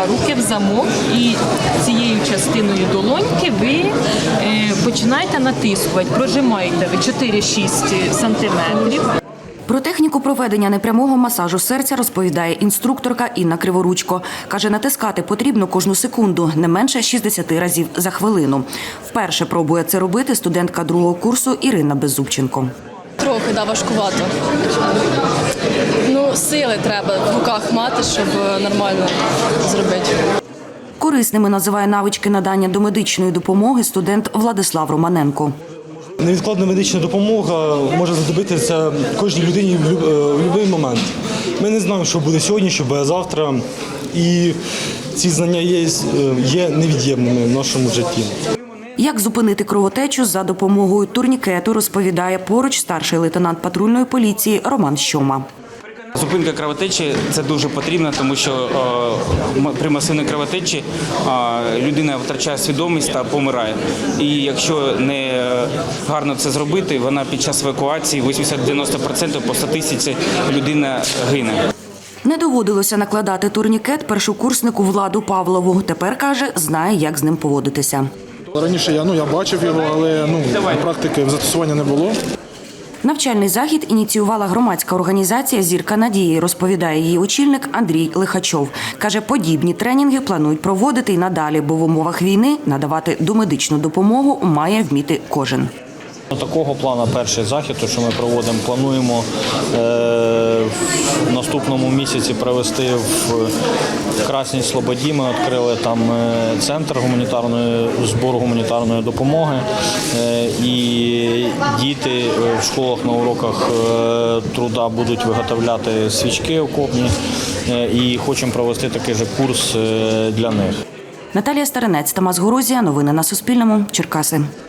руки в замок, і цією частиною долоньки ви починаєте натискувати, прожимаєте ви 4-6 сантиметрів. Про техніку проведення непрямого масажу серця розповідає інструкторка Інна Криворучко. Каже, натискати потрібно кожну секунду, не менше 60 разів за хвилину. Вперше пробує це робити студентка другого курсу Ірина Беззубченко. Трохи, важкувато. Сили треба в руках мати, щоб нормально зробити. Корисними називає навички надання домедичної допомоги студент Владислав Романенко. Невідкладна медична допомога може знадобитися кожній людині в будь-який момент. Ми не знаємо, що буде сьогодні, що буде завтра. І ці знання є невід'ємними в нашому житті. Як зупинити кровотечу за допомогою турнікету, розповідає поруч старший лейтенант патрульної поліції Роман Щома. Зупинка кровотечі – це дуже потрібно, тому що при масивній кровотечі людина втрачає свідомість та помирає. І якщо не гарно це зробити, вона під час евакуації 80-90% по статистиці людина гине. Не доводилося накладати турнікет першокурснику Владу Павлову. Тепер, каже, знає, як з ним поводитися. Раніше я бачив його, але практики застосування не було. Навчальний захід ініціювала громадська організація «Зірка надії», розповідає її очільник Андрій Лихачов. Каже, подібні тренінги планують проводити й надалі, бо в умовах війни надавати домедичну допомогу має вміти кожен. Такого плану перший захід, що ми проводимо, плануємо в наступному місяці провести в Красній Слободі. Ми відкрили там центр збору гуманітарної допомоги. І діти в школах на уроках труда будуть виготовляти свічки окопні. І хочемо провести такий же курс для них. Наталія Старинець, Тамас Горозія. Новини на Суспільному. Черкаси.